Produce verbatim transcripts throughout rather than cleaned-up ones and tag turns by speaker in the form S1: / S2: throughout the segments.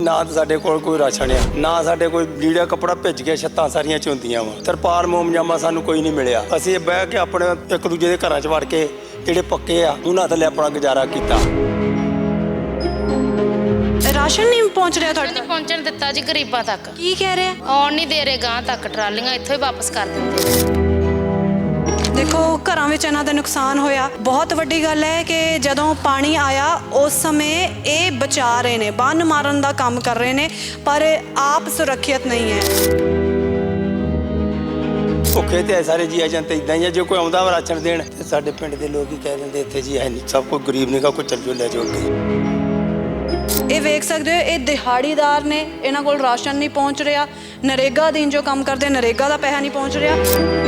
S1: ना तो साडे कोल कोई राशन है, ना साडे कोई लीड़ा कपड़ा भिज के छत्तां सारियां झुंदियां वा। तरपाल मोमजामा सानू कोई नहीं मिलिया। असीं बह के अपने एक दूजे दे घरां च वड़ के ਜਿਹੜੇ पक्के आ उन्हां थल्ले अपना गुजारा कीता।
S2: राशन नहीं पहुंच रहा ਤੁਹਾਡੇ
S3: नहीं पहुंचन दिता जी गरीबां तक।
S2: ਕੀ ਕਹਿ ਰਹੇ
S3: ਆਉਣ ਨਹੀਂ ਦੇ ਰਹੇ ਗਾਂ ਤੱਕ ਟਰਾਲੀਆਂ ਇੱਥੋਂ ਹੀ ਵਾਪਸ ਕਰ ਦਿੰਦੇ।
S2: ਦੇਖੋ ਘਰਾਂ ਵਿੱਚ ਇਹਨਾਂ ਦਾ ਨੁਕਸਾਨ ਹੋਇਆ। ਬਹੁਤ ਵੱਡੀ ਗੱਲ ਹੈ ਕਿ ਜਦੋਂ ਪਾਣੀ ਆਇਆ ਉਸ ਸਮੇਂ ਇਹ ਬਚਾ ਰਹੇ ਨੇ, ਬੰਨ ਮਾਰਨ ਦਾ ਕੰਮ ਕਰ ਰਹੇ ਨੇ, ਪਰ ਆਪ ਸੁਰੱਖਿਅਤ ਨਹੀਂ ਹੈ।
S1: ਭੁੱਖੇ ਤੇ ਸਾਰੇ ਜੀ ਏਜੰਟ ਇਦਾਂ ਹੀ ਆ, ਜੇ ਕੋਈ ਆਉਂਦਾ ਵਾ ਰਾਸ਼ਨ ਦੇਣ ਤੇ ਸਾਡੇ ਪਿੰਡ ਦੇ ਲੋਕ ਹੀ ਕਹਿ ਦਿੰਦੇ ਇੱਥੇ ਜੀ ਹੈ ਨਹੀਂ, ਸਭ ਕੋਈ ਗਰੀਬ ਨਿਕਾ ਕੋਈ ਚੱਲ ਜੋ ਲੈ ਜਾਓ ਅੱਗੇ।
S2: ਇਹ ਵੇਖ ਸਕਦੇ ਹੋ, ਇਹ ਦਿਹਾੜੀਦਾਰ ਨੇ, ਇਹਨਾਂ ਕੋਲ ਰਾਸ਼ਨ ਨਹੀਂ ਪਹੁੰਚ ਰਿਹਾ। ਨਰੇਗਾ ਅਧੀਨ ਜੋ ਕੰਮ ਕਰਦੇ, ਨਰੇਗਾ ਦਾ ਪੈਸਾ ਨਹੀਂ ਪਹੁੰਚ ਰਿਹਾ।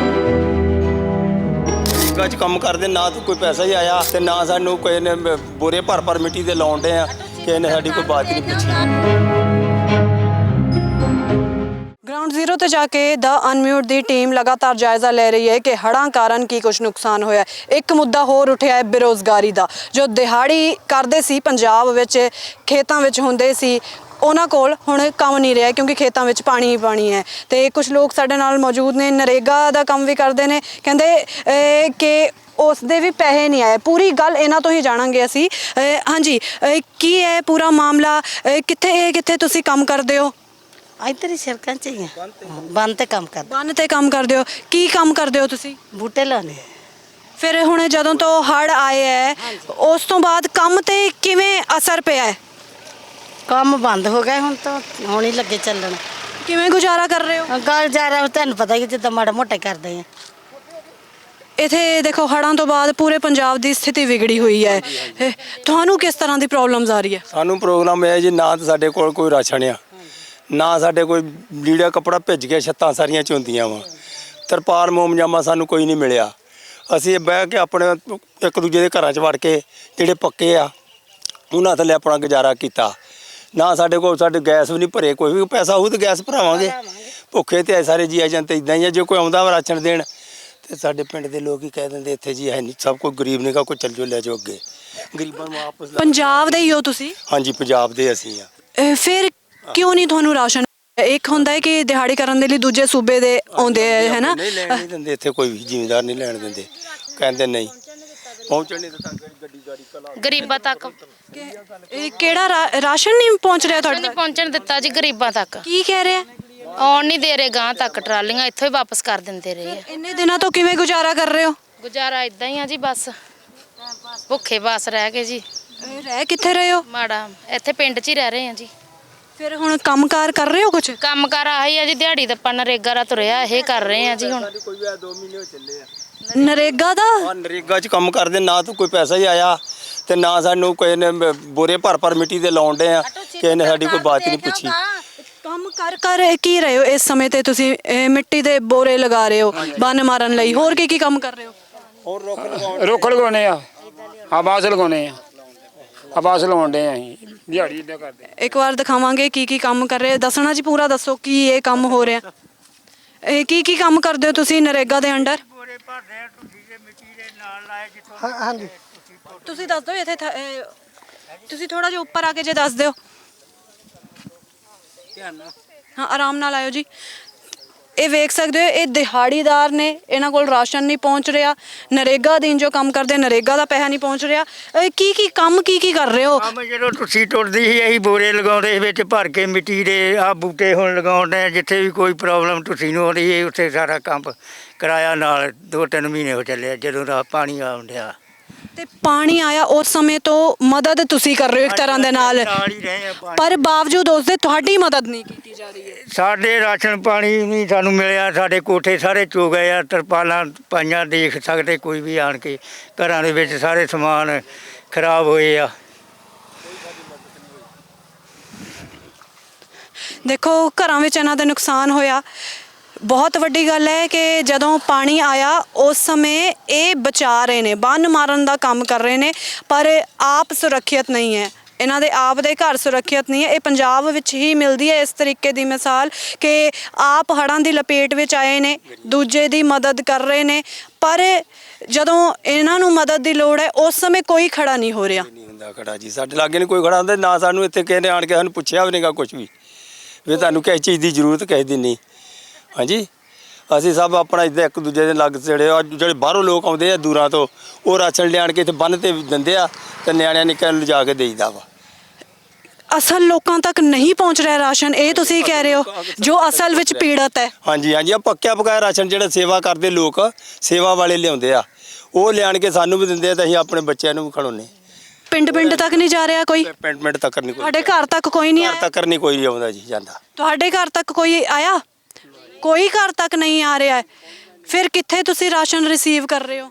S1: ਨਰੇਗਾ 'ਚ ਕੰਮ ਕਰਦੇ ਨਾ ਤਾਂ ਕੋਈ ਪੈਸਾ ਹੀ ਆਇਆ ਤੇ ਨਾ ਸਾਨੂੰ ਕੋਈ ਨੇ ਬੋਰੇ ਭਰ ਭਰ ਮਿੱਟੀ ਦੇ ਲਾਉਣ ਡੇ ਆ ਕਿ ਇਹਨੇ ਸਾਡੀ ਕੋਈ ਬਾਤ ਨਹੀਂ ਪੁੱਛੀ।
S2: ग्राउंड जीरो ਤੇ ਜਾ ਕੇ ਦਾ ਅਨਮਿਊਟ ਦੀ ਟੀਮ ਲਗਾਤਾਰ ਜਾਇਜ਼ਾ ਲੈ ਰਹੀ ਹੈ ਕਿ ਹੜ੍ਹਾਂ ਕਾਰਨ ਕੀ ਕੁਝ ਨੁਕਸਾਨ ਹੋਇਆ। ਇੱਕ ਮੁੱਦਾ ਹੋਰ ਉੱਠਿਆ ਹੈ ਬੇਰੁਜ਼ਗਾਰੀ ਦਾ। ਜੋ ਦਿਹਾੜੀ ਕਰਦੇ ਸੀ, ਪੰਜਾਬ ਵਿੱਚ ਖੇਤਾਂ ਵਿੱਚ ਹੁੰਦੇ ਸੀ, ਉਹਨਾਂ ਕੋਲ ਹੁਣ ਕੰਮ ਨਹੀਂ ਰਿਹਾ ਕਿਉਂਕਿ ਖੇਤਾਂ ਵਿੱਚ ਪਾਣੀ ਹੀ ਪਾਣੀ ਹੈ। ਤੇ ਕੁਝ ਲੋਕ ਸਾਡੇ ਨਾਲ ਮੌਜੂਦ ਨੇ, ਨਰੇਗਾ ਦਾ ਕੰਮ ਵੀ ਕਰਦੇ ਨੇ, ਕਹਿੰਦੇ ਕਿ ਉਸ ਦੇ ਵੀ ਪੈਸੇ ਨਹੀਂ ਆਏ। ਪੂਰੀ ਗੱਲ ਇਹਨਾਂ ਤੋਂ ਹੀ ਜਾਣਾਂਗੇ ਅਸੀਂ। ਹਾਂਜੀ, ਕੀ ਹੈ ਪੂਰਾ ਮਾਮਲਾ? ਕਿੱਥੇ ਕਿੱਥੇ ਤੁਸੀਂ ਕੰਮ ਕਰਦੇ ਹੋ?
S4: ਇੱਧਰ ਹੀ ਸੜਕਾਂ 'ਚ ਹੀ ਆ, ਬੰਨ ਤੇ ਕੰਮ ਕਰਦੇ।
S2: ਬੰਨ ਤੇ ਕੰਮ ਕਰਦੇ ਹੋ? ਕੀ ਕੰਮ ਕਰਦੇ ਹੋ ਤੁਸੀਂ?
S4: ਬੂਟੇ ਲਾਉਣੇ।
S2: ਫਿਰ ਹੁਣ ਜਦੋਂ ਤੋਂ ਹੜ੍ਹ ਆਏ ਹੈ ਉਸ ਤੋਂ ਬਾਅਦ ਕੰਮ ਤੇ ਕਿਵੇਂ ਅਸਰ ਪਿਆ ਹੈ?
S4: ਕੰਮ ਬੰਦ ਹੋ ਗਿਆ, ਹੁਣ ਤਾਂ ਹੁਣ ਹੀ ਲੱਗੇ ਚੱਲਣ।
S2: ਕਿਵੇਂ ਗੁਜ਼ਾਰਾ ਕਰ ਰਹੇ ਹੋ?
S4: ਗੱਲ ਜਾ ਰਿਹਾ ਤੁਹਾਨੂੰ ਪਤਾ ਹੀ, ਜਿੱਦਾਂ ਮਾੜਾ ਮੋਟਾ ਕਰਦੇ ਆ।
S2: ਇੱਥੇ ਦੇਖੋ ਹੜ੍ਹਾਂ ਤੋਂ ਬਾਅਦ ਪੂਰੇ ਪੰਜਾਬ ਦੀ ਸਥਿਤੀ ਵਿਗੜੀ ਹੋਈ ਹੈ। ਇਹ ਤੁਹਾਨੂੰ ਕਿਸ ਤਰ੍ਹਾਂ ਦੀ ਪ੍ਰੋਬਲਮਸ ਆ ਰਹੀ ਹੈ?
S1: ਸਾਨੂੰ ਪ੍ਰੋਗਰਾਮ ਇਹ ਜੀ, ਨਾ ਤਾਂ ਸਾਡੇ ਕੋਲ ਕੋਈ ਰਾਸ਼ਨ ਆ, ਨਾ ਸਾਡੇ ਕੋਈ ਲੀੜਾ ਕਪੜਾ ਭਿੱਜ ਕੇ ਛੱਤਾਂ ਸਾਰੀਆਂ ਝੁੰਦੀਆਂ ਵਾ। ਤਰਪਾਲ ਮੋਮਜਾਮਾ ਸਾਨੂੰ ਕੋਈ ਨਹੀਂ ਮਿਲਿਆ। ਅਸੀਂ ਬਹਿ ਕੇ ਆਪਣੇ ਇੱਕ ਦੂਜੇ ਦੇ ਘਰਾਂ 'ਚ ਵੜ ਕੇ ਜਿਹੜੇ ਪੱਕੇ ਆ ਉਹਨਾਂ ਥੱਲੇ ਆਪਣਾ ਗੁਜ਼ਾਰਾ ਕੀਤਾ। ਨਾ ਸਾਡੇ ਕੋਲ ਸਾਡੇ ਗੈਸ ਵੀ ਨਹੀਂ ਭਰੇ, ਕੋਈ ਵੀ ਪੈਸਾ ਹੋਊ ਤਾਂ ਗੈਸ ਭਰਾਵਾਂਗੇ। ਭੁੱਖੇ ਤੇ ਸਾਰੇ ਜੀ ਏਜੰਟ ਇਦਾਂ ਹੀ ਆ, ਜੇ ਕੋਈ ਆਉਂਦਾ ਵਾ ਰਾਸ਼ਨ ਦੇਣ ਤੇ ਸਾਡੇ ਪਿੰਡ ਦੇ ਲੋਕ ਹੀ ਕਹਿ ਦਿੰਦੇ ਇੱਥੇ ਜੀ ਹੈ ਨਹੀਂ, ਸਭ ਕੋਈ ਗਰੀਬ ਨਿਕਾ ਕੋਈ ਚੱਲ ਜੋ ਲੈ ਜਾਓ ਅੱਗੇ। ਗਰੀਬਾਂ ਨੂੰ ਆਪਸ
S2: ਪੰਜਾਬ ਦੇ ਹੀ ਹੋ ਤੁਸੀਂ?
S1: ਹਾਂਜੀ, ਪੰਜਾਬ ਦੇ ਅਸੀਂ ਆ।
S2: ਇਹ ਫਿਰ ਕਿਉਂ ਨਹੀਂ ਤੁਹਾਨੂੰ ਰਾਸ਼ਨ? ਇੱਕ ਹੁੰਦਾ ਹੈ ਕਿ ਦਿਹਾੜੀ ਕਰਨ ਦੇ ਲਈ ਦੂਜੇ ਸੂਬੇ ਦੇ ਆਉਂਦੇ ਹੈ ਨਾ,
S1: ਨਹੀਂ ਲੈਣ ਨਹੀਂ ਦਿੰਦੇ ਇੱਥੇ, ਕੋਈ ਵੀ ਜ਼ਿਮੀਂਦਾਰ ਨਹੀਂ ਲੈਣ ਦਿੰਦੇ, ਕਹਿੰਦੇ ਨਹੀਂ ਪਹੁੰਚਣ ਨਹੀਂ ਦਿੱਤਾ ਗੱਡੀ ਗਾੜੀ ਕਲਾ
S3: ਗਰੀਬਾਂ ਤੱਕ
S2: ਇਹ ਕਿਹੜਾ ਰਾ- ਰਾਸ਼ਨ ਨਹੀਂ ਪਹੁੰਚ ਰਿਹਾ ਤੁਹਾਡੇ
S3: ਨਹੀਂ
S2: ਤੱਕ?
S3: ਪਹੁੰਚਣ ਦਿੱਤਾ ਜੀ ਗਰੀਬਾਂ ਤੱਕ।
S2: ਕੀ ਕਹਿ ਰਹੇ ਆ?
S3: ਆਉਣ ਨਹੀਂ ਦੇ ਰਹੇ ਗਾਂ ਤੱਕ ਟਰਾਲੀਆਂ ਇੱਥੋਂ ਹੀ ਵਾਪਸ ਕਰ ਦਿੰਦੇ ਰਹੇ ਆ।
S2: ਇੰਨੇ ਦਿਨਾਂ ਤੋਂ ਕਿਵੇਂ ਗੁਜ਼ਾਰਾ ਕਰ ਰਹੇ ਹੋ?
S3: ਗੁਜ਼ਾਰਾ ਇਦਾਂ ਹੀ ਆ ਜੀ, ਬਸ ਭੁੱਖੇ ਬਾਸ ਰਹਿ ਕੇ ਜੀ।
S2: ਰਹਿ ਕਿੱਥੇ ਰਹੇ ਹੋ?
S3: ਮਾੜਾ ਇੱਥੇ ਪਿੰਡ 'ਚ ਹੀ ਰਹਿ ਰਹੇ ਆ ਜੀ।
S2: ਫਿਰ ਹੁਣ ਕੰਮਕਾਰ ਕਰ ਰਹੇ ਹੋ ਕੁਝ?
S3: ਕੰਮ ਕਾਰ ਆਹੀ ਆ ਜੀ, ਦਿਹਾੜੀ ਦੱਪਾ ਨਰੇਗਾ ਦਾ ਤੁਰਿਆ ਇਹ ਕਰ ਰਹੇ ਆ ਜੀ। ਹੁਣ
S1: ਕੋਈ ਵੀ ਦੋ ਮਹੀਨੇ ਹੋ ਚੱਲੇ ਆ
S2: ਨਰੇਗਾ ਦਾ?
S1: ਆ ਨਰੇਗਾ 'ਚ ਕੰਮ ਕਰਦੇ, ਨਾ ਤਾਂ ਕੋਈ ਪੈਸਾ ਹੀ ਆਇਆ ਤੇ ਨਾ ਸਾਨੂੰ ਕੋਈ ਨੇ ਬੋਰੇ ਭਰ ਭਰ ਮਿੱਟੀ ਦੇ ਲਾਉਣ ਡੇ ਆ ਕਿ ਇਹਨੇ ਸਾਡੀ ਕੋਈ ਬਾਤ ਨਹੀਂ ਪੁੱਛੀ।
S2: ਕੰਮ ਕਰ ਕਰ ਕੀ ਰਹੇ ਹੋ ਇਸ ਸਮੇਂ ਤੇ ਤੁਸੀਂ? ਇਹ ਮਿੱਟੀ ਦੇ ਬੋਰੇ ਲਗਾ ਰਹੇ ਹੋ ਬੰਨ ਮਾਰਨ ਲਈ, ਹੋਰ ਕੀ ਕੀ ਕੰਮ ਕਰ ਰਹੇ ਹੋ?
S1: ਹੋਰ ਰੁੱਖ ਲਗਾਉਣ,
S5: ਰੁੱਖ ਲਗਾਉਣੇ ਆ, ਆਵਾਜ਼ ਲਗਾਉਣੇ ਆ, ਆਵਾਜ਼ ਲਗਾਉਣ ਡੇ ਅਸੀਂ ਦਿਹਾੜੀ ਇੱਦਾਂ ਕਰਦੇ।
S2: ਇੱਕ ਵਾਰ ਦਿਖਾਵਾਂਗੇ ਕੀ ਕੀ ਕੰਮ ਕਰ ਰਹੇ, ਦੱਸਣਾ ਜੀ ਪੂਰਾ ਦੱਸੋ ਕੀ ਇਹ ਕੰਮ ਹੋ ਰਿਹਾ। ਇਹ ਕੀ ਕੀ ਕੰਮ ਕਰਦੇ ਹੋ ਤੁਸੀਂ ਨਰੇਗਾ ਦੇ ਅੰਡਰ?
S4: ਹਾਂਜੀ,
S2: ਤੁਸੀਂ ਦੱਸ ਦਿਓ ਇੱਥੇ ਥ- ਇਹ ਤੁਸੀਂ ਥੋੜਾ ਜਿਹਾ ਉੱਪਰ ਆ ਕੇ ਜੇ ਦੱਸ ਦਿਓ। ਹਾਂ, ਆਰਾਮ ਨਾਲ ਆਇਓ ਜੀ। ਇਹ ਵੇਖ ਸਕਦੇ ਹੋ, ਇਹ ਦਿਹਾੜੀਦਾਰ ਨੇ, ਇਹਨਾਂ ਕੋਲ ਰਾਸ਼ਨ ਨਹੀਂ ਪਹੁੰਚ ਰਿਹਾ। ਨਰੇਗਾ ਅਧੀਨ ਜੋ ਕੰਮ ਕਰਦੇ, ਨਰੇਗਾ ਦਾ ਪੈਸਾ ਨਹੀਂ ਪਹੁੰਚ ਰਿਹਾ। ਇਹ ਕੀ ਕੀ ਕੰਮ ਕੀ ਕੀ ਕਰ ਰਹੇ ਹੋ?
S6: ਕੰਮ ਜਦੋਂ ਤੁਸੀਂ ਟੁੱਟਦੀ ਸੀ ਅਸੀਂ ਬੋਰੇ ਲਗਾਉਂਦੇ ਵਿੱਚ ਭਰ ਕੇ ਮਿੱਟੀ ਦੇ। ਆਹ ਬੂਟੇ ਹੁਣ ਲਗਾਉਂਦੇ, ਜਿੱਥੇ ਵੀ ਕੋਈ ਪ੍ਰੋਬਲਮ ਤੁਸੀਂ ਨੂੰ ਆਉਂਦੀ ਹੈ ਉੱਥੇ ਸਾਰਾ ਕੰਮ ਕਰਾਇਆ। ਨਾਲ ਦੋ ਤਿੰਨ ਮਹੀਨੇ ਹੋ ਚੱਲੇ ਜਦੋਂ ਦਾ ਪਾਣੀ ਆਉਣ ਡਿਆ।
S2: ਤੇ ਪਾਣੀ ਆਇਆ ਉਸ ਸਮੇਂ ਤੋਂ ਮਦਦ ਤੁਸੀਂ ਕਰ ਰਹੇ ਹੋ ਇੱਕ ਤਰ੍ਹਾਂ ਦੇ ਨਾਲ,
S6: ਨਾਲ ਹੀ ਰਹੇ ਆ ਪਾਣੀ।
S2: ਪਰ ਬਾਵਜੂਦ ਉਸ ਦੇ ਤੁਹਾਡੀ ਮਦਦ ਨਹੀਂ ਕੀਤੀ ਜਾ ਰਹੀ ਹੈ।
S6: ਸਾਡੇ ਰਾਸ਼ਨ ਪਾਣੀ ਨਹੀਂ ਸਾਨੂੰ ਮਿਲਿਆ, ਸਾਡੇ ਕੋਠੇ ਸਾਰੇ ਚੋ ਗਏ ਆ, ਤਰਪਾਲਾਂ ਪਾਈਆਂ, ਦੇਖ ਸਕਦੇ ਕੋਈ ਵੀ ਆਣ ਕੇ। ਘਰਾਂ ਦੇ ਵਿੱਚ ਸਾਰੇ ਸਮਾਨ ਖਰਾਬ ਹੋਏ ਆ।
S2: ਦੇਖੋ ਘਰਾਂ ਵਿੱਚ ਇਹਨਾਂ ਦਾ ਨੁਕਸਾਨ ਹੋਇਆ। ਬਹੁਤ ਵੱਡੀ ਗੱਲ ਹੈ ਕਿ ਜਦੋਂ ਪਾਣੀ ਆਇਆ ਉਸ ਸਮੇਂ ਇਹ ਬਚਾ ਰਹੇ ਨੇ, ਬੰਨ ਮਾਰਨ ਦਾ ਕੰਮ ਕਰ ਰਹੇ ਨੇ, ਪਰ ਆਪ ਸੁਰੱਖਿਅਤ ਨਹੀਂ ਹੈ। ਇਹਨਾਂ ਦੇ ਆਪ ਦੇ ਘਰ ਸੁਰੱਖਿਅਤ ਨਹੀਂ ਹੈ। ਇਹ ਪੰਜਾਬ ਵਿੱਚ ਹੀ ਮਿਲਦੀ ਹੈ ਇਸ ਤਰੀਕੇ ਦੀ ਮਿਸਾਲ ਕਿ ਆਪ ਹੜ੍ਹਾਂ ਦੀ ਲਪੇਟ ਵਿੱਚ ਆਏ ਨੇ, ਦੂਜੇ ਦੀ ਮਦਦ ਕਰ ਰਹੇ ਨੇ, ਪਰ ਜਦੋਂ ਇਹਨਾਂ ਨੂੰ ਮਦਦ ਦੀ ਲੋੜ ਹੈ ਉਸ ਸਮੇਂ ਕੋਈ ਖੜਾ ਨਹੀਂ ਹੋ ਰਿਹਾ।
S1: ਨਹੀਂ ਹੁੰਦਾ ਖੜਾ ਜੀ, ਸਾਡੇ ਲਾਗੇ ਨਹੀਂ ਕੋਈ ਖੜਾ ਹੁੰਦਾ, ਨਾ ਸਾਨੂੰ ਇੱਥੇ ਕਿਸੇ ਨੇ ਆਣ ਕੇ ਸਾਨੂੰ ਪੁੱਛਿਆ ਵੀ ਨਹੀਂਗਾ ਕੁਝ ਵੀ ਵੀ ਤੁਹਾਨੂੰ ਕਿਸ ਚੀਜ਼ ਦੀ ਜ਼ਰੂਰਤ ਕਿਸੇ ਦੀ ਨਹੀਂ। ਹਾਂਜੀ, ਅਸੀਂ ਸਭ ਆਪਣਾ ਇੱਦਾਂ ਇੱਕ ਦੂਜੇ ਦੇ ਲੱਗ ਜਿਹੜੇ ਆ ਜਿਹੜੇ ਬਾਹਰੋਂ ਲੋਕ ਆਉਂਦੇ ਆ ਦੂਰਾਂ ਤੋਂ, ਉਹ ਰਾਸ਼ਨ ਲਿਆਣ ਕੇ ਇੱਥੇ ਬੰਨ੍ਹ ਤੇ ਦਿੰਦੇ ਆ ਤੇ ਨਿਆਣਿਆਂ ਨਿੱਕਿਆਂ ਨੂੰ ਲਿਜਾ ਕੇ ਦੇਈਦਾ ਵਾ।
S2: ਅਸਲ ਲੋਕਾਂ ਤੱਕ ਨਹੀਂ ਪਹੁੰਚ ਰਿਹਾ ਰਾਸ਼ਨ, ਇਹ ਤੁਸੀਂ ਕਹਿ ਰਹੇ ਹੋ, ਜੋ ਅਸਲ ਵਿੱਚ ਪੀੜਤ ਹੈ।
S1: ਹਾਂਜੀ ਹਾਂਜੀ, ਆ ਪੱਕਿਆ ਪਕਾਇਆ ਰਾਸ਼ਨ ਜਿਹੜਾ ਸੇਵਾ ਕਰਦੇ ਲੋਕ, ਸੇਵਾ ਵਾਲੇ ਲਿਆਉਂਦੇ ਆ, ਉਹ ਲਿਆਣ ਕੇ ਸਾਨੂੰ ਵੀ ਦਿੰਦੇ ਆ ਤੇ ਅਸੀਂ ਆਪਣੇ ਬੱਚਿਆਂ ਨੂੰ ਵੀ ਖਿਲਾਉਂਦੇ।
S2: ਪਿੰਡ ਪਿੰਡ ਤੱਕ ਨਹੀਂ ਜਾ ਰਿਹਾ ਕੋਈ?
S1: ਪਿੰਡ ਪਿੰਡ ਤੱਕ ਨਹੀਂ ਕੋਈ,
S2: ਤੁਹਾਡੇ ਘਰ ਤੱਕ ਕੋਈ ਨਹੀਂ
S1: ਘਰ
S2: ਆਇਆ?
S1: ਤੱਕ ਨਹੀਂ ਕੋਈ ਆਉਂਦਾ ਜੀ ਜਾਂਦਾ।
S2: ਤੁਹਾਡੇ ਘਰ ਤੱਕ ਕੋਈ ਆਇਆ? ਕੋਈ ਘਰ ਤੱਕ ਨਹੀਂ ਆ ਰਿਹਾ ਹੈ। ਫਿਰ ਕਿੱਥੇ ਤੁਸੀਂ ਰਾਸ਼ਨ ਰਿਸੀਵ ਕਰ ਰਹੇ ਹੋ?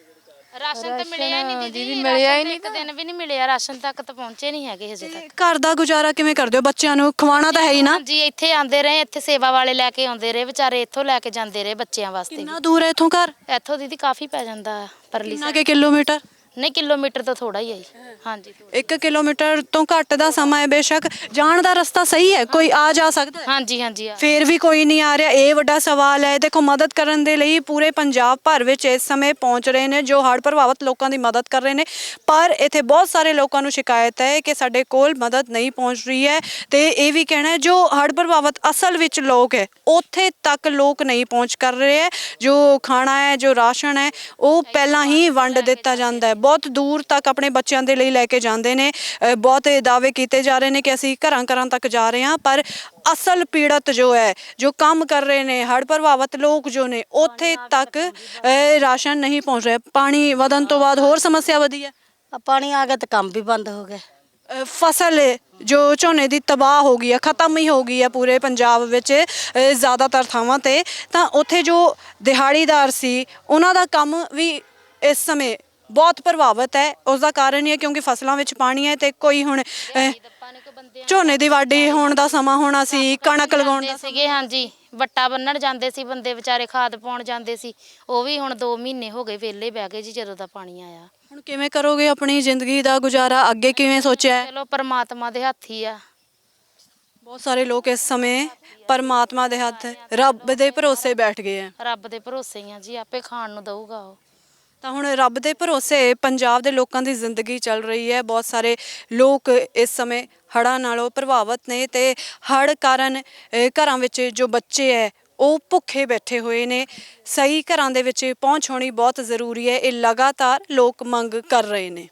S3: ਰਾਸ਼ਨ ਤਾਂ ਮਿਲਿਆ ਹੀ ਨਹੀਂ ਦੀਦੀ, ਮਿਲਿਆ ਹੀ ਨਹੀਂ, ਇੱਕ ਦਿਨ ਵੀ ਨਹੀਂ ਮਿਲਿਆ, ਰਾਸ਼ਨ ਤੱਕ ਤਾਂ ਪਹੁੰਚੇ ਨਹੀਂ ਹੈਗੇ ਹਜੇ ਤੱਕ।
S2: ਘਰ ਦਾ ਗੁਜ਼ਾਰਾ ਕਿਵੇਂ ਕਰਦੇ ਹੋ? ਬੱਚਿਆਂ ਨੂੰ ਖਵਾਉਣਾ ਤਾਂ ਹੈ ਹੀ ਨਾ।
S3: ਹਾਂਜੀ, ਇੱਥੇ ਆਂਦੇ ਰਹੇ, ਇੱਥੇ ਸੇਵਾ ਵਾਲੇ ਲੈ ਕੇ ਆਉਂਦੇ ਰਹੇ, ਵਿਚਾਰੇ ਇੱਥੋਂ ਲੈ ਕੇ ਜਾਂਦੇ ਰਹੇ ਬੱਚਿਆਂ ਵਾਸਤੇ।
S2: ਕਿੰਨਾ ਦੂਰ ਹੈ ਇੱਥੋਂ ਘਰ?
S3: ਇੱਥੋਂ ਦੀਦੀ ਕਾਫੀ ਪੈ ਜਾਂਦਾ ਪਰਲੀ
S2: ਕਿੰਨਾ
S3: ਸਾਈਡ।
S2: ਕੇ ਕਿਲੋਮੀਟਰ?
S3: ਨਹੀਂ, ਕਿਲੋਮੀਟਰ ਤੋਂ ਥੋੜਾ ਹੀ ਹੈ ਜੀ। ਹਾਂਜੀ,
S2: ਇੱਕ ਕਿਲੋਮੀਟਰ ਤੋਂ ਘੱਟ ਦਾ ਸਮਾਂ ਹੈ। ਬੇਸ਼ੱਕ ਜਾਣ ਦਾ ਰਸਤਾ ਸਹੀ ਹੈ, ਕੋਈ ਆ ਜਾ ਸਕਦਾ ਹੈ,
S3: ਹਾਂਜੀ ਹਾਂਜੀ ਆ।
S2: ਫੇਰ ਵੀ ਕੋਈ ਨਹੀਂ ਆ ਰਿਹਾ। ਇਹ ਵੱਡਾ ਸਵਾਲ ਹੈ। ਦੇਖੋ, ਮਦਦ ਕਰਨ ਦੇ ਲਈ ਪੂਰੇ ਪੰਜਾਬ ਭਰ ਵਿੱਚ ਇਸ ਸਮੇਂ ਪਹੁੰਚ ਰਹੇ ਨੇ ਜੋ ਹੜ੍ਹ ਪ੍ਰਭਾਵਿਤ ਲੋਕਾਂ ਦੀ ਮਦਦ ਕਰ ਰਹੇ ਨੇ, ਪਰ ਇੱਥੇ ਬਹੁਤ ਸਾਰੇ ਲੋਕਾਂ ਨੂੰ ਸ਼ਿਕਾਇਤ ਹੈ ਕਿ ਸਾਡੇ ਕੋਲ ਮਦਦ ਨਹੀਂ ਪਹੁੰਚ ਰਹੀ ਹੈ। ਤੇ ਇਹ ਵੀ ਕਹਿਣਾ ਹੈ ਜੋ ਹੜ੍ਹ ਪ੍ਰਭਾਵਿਤ ਅਸਲ ਵਿੱਚ ਲੋਕ ਹੈ ਉੱਥੇ ਤੱਕ ਲੋਕ ਨਹੀਂ ਪਹੁੰਚ ਕਰ ਰਹੇ ਹੈ। ਜੋ ਖਾਣਾ ਹੈ, ਜੋ ਰਾਸ਼ਨ ਹੈ, ਉਹ ਪਹਿਲਾਂ ਹੀ ਵੰਡ ਦਿੱਤਾ ਜਾਂਦਾ ਹੈ। ਬਹੁਤ ਦੂਰ ਤੱਕ ਆਪਣੇ ਬੱਚਿਆਂ ਦੇ ਲਈ ਲੈ ਕੇ ਜਾਂਦੇ ਨੇ। ਅ, ਬਹੁਤ ਦਾਅਵੇ ਕੀਤੇ ਜਾ ਰਹੇ ਨੇ ਕਿ ਅਸੀਂ ਘਰਾਂ ਘਰਾਂ ਤੱਕ ਜਾ ਰਹੇ ਹਾਂ, ਪਰ ਅਸਲ ਪੀੜਤ ਜੋ ਹੈ, ਜੋ ਕੰਮ ਕਰ ਰਹੇ ਨੇ, ਹੜ੍ਹ ਪ੍ਰਭਾਵਿਤ ਲੋਕ ਜੋ ਨੇ, ਉੱਥੇ ਤੱਕ ਅ, ਰਾਸ਼ਨ ਨਹੀਂ ਪਹੁੰਚ ਰਿਹਾ। ਪਾਣੀ ਵਧਣ ਤੋਂ ਬਾਅਦ ਹੋਰ ਸਮੱਸਿਆ ਵਧੀ ਹੈ।
S4: ਆ ਪਾਣੀ ਆ ਗਿਆ ਤਾਂ ਕੰਮ ਵੀ ਬੰਦ ਹੋ ਗਿਆ।
S2: ਅ, ਫਸਲ ਜੋ ਝੋਨੇ ਦੀ ਤਬਾਹ ਹੋ ਗਈ ਹੈ, ਖਤਮ ਹੀ ਹੋ ਗਈ ਹੈ ਪੂਰੇ ਪੰਜਾਬ ਵਿੱਚ ਅ, ਜ਼ਿਆਦਾਤਰ ਥਾਵਾਂ ਤੇ। ਤਾਂ ਉੱਥੇ ਜੋ ਦਿਹਾੜੀਦਾਰ ਸੀ ਉਹਨਾਂ ਦਾ ਕੰਮ ਵੀ ਇਸ ਸਮੇਂ ਬਹੁਤ ਪ੍ਰਭਾਵਿਤ ਹੈ। ਉਸ ਦਾ ਕਾਰਨ ਇਹ ਹੈ ਕਿਉਂਕਿ ਫਸਲਾਂ ਵਿੱਚ ਪਾਣੀ ਹੈ ਤੇ ਕੋਈ ਹੁਣ ਅਹ, ਝੋਨੇ ਦੀ ਵਾਢੀ ਹੋਣ ਦਾ ਸਮਾਂ ਹੋਣਾ ਸੀ, ਕਣਕ ਲਗਾਉਣ ਦਾ
S3: ਸੀਗੇ। ਹਾਂਜੀ, ਵੱਟਾ ਬੰਨਣ ਜਾਂਦੇ ਸੀ ਬੰਦੇ ਵਿਚਾਰੇ, ਖਾਦ ਪਾਉਣ ਜਾਂਦੇ ਸੀ, ਉਹ ਵੀ ਹੁਣ ਦੋ ਮਹੀਨੇ ਹੋ ਗਏ ਵਿਹਲੇ ਬਹਿ ਗਏ ਜੀ ਜਦੋਂ ਦਾ ਪਾਣੀ ਆਇਆ।
S2: ਹੁਣ ਕਿਵੇਂ ਕਰੋਗੇ ਆਪਣੀ ਜ਼ਿੰਦਗੀ ਦਾ ਗੁਜ਼ਾਰਾ? ਅੱਗੇ ਕਿਵੇਂ ਸੋਚਿਆ ਹੈ?
S3: ਚਲੋ ਪਰਮਾਤਮਾ ਦੇ ਹੱਥ ਹੀ ਆ।
S2: ਬਹੁਤ ਸਾਰੇ ਲੋਕ ਇਸ ਸਮੇਂ ਪਰਮਾਤਮਾ ਦੇ ਹੱਥ, ਰੱਬ ਦੇ ਭਰੋਸੇ ਬੈਠ ਗਏ ਹੈ।
S3: ਰੱਬ ਦੇ ਭਰੋਸੇ ਹੀ ਆ ਜੀ, ਆਪੇ ਖਾਣ ਨੂੰ ਦਊਗਾ ਉਹ।
S2: ਤਾਂ ਹੁਣ ਰੱਬ ਦੇ ਭਰੋਸੇ ਪੰਜਾਬ ਦੇ ਲੋਕਾਂ ਦੀ ਜ਼ਿੰਦਗੀ ਚੱਲ ਰਹੀ ਹੈ। ਬਹੁਤ ਸਾਰੇ ਲੋਕ ਇਸ ਸਮੇਂ ਹੜ੍ਹਾਂ ਨਾਲੋਂ ਪ੍ਰਭਾਵਿਤ ਨੇ ਤੇ ਹੜ੍ਹ ਕਾਰਨ ਅ, ਘਰਾਂ ਵਿੱਚ ਜੋ ਬੱਚੇ ਹੈ ਉਹ ਭੁੱਖੇ ਬੈਠੇ ਹੋਏ ਨੇ। ਸਹੀ ਘਰਾਂ ਦੇ ਵਿੱਚ ਪਹੁੰਚ ਹੋਣੀ ਬਹੁਤ ਜ਼ਰੂਰੀ ਹੈ। ਇਹ ਲਗਾਤਾਰ ਲੋਕ ਮੰਗ ਕਰ ਰਹੇ ਨੇ।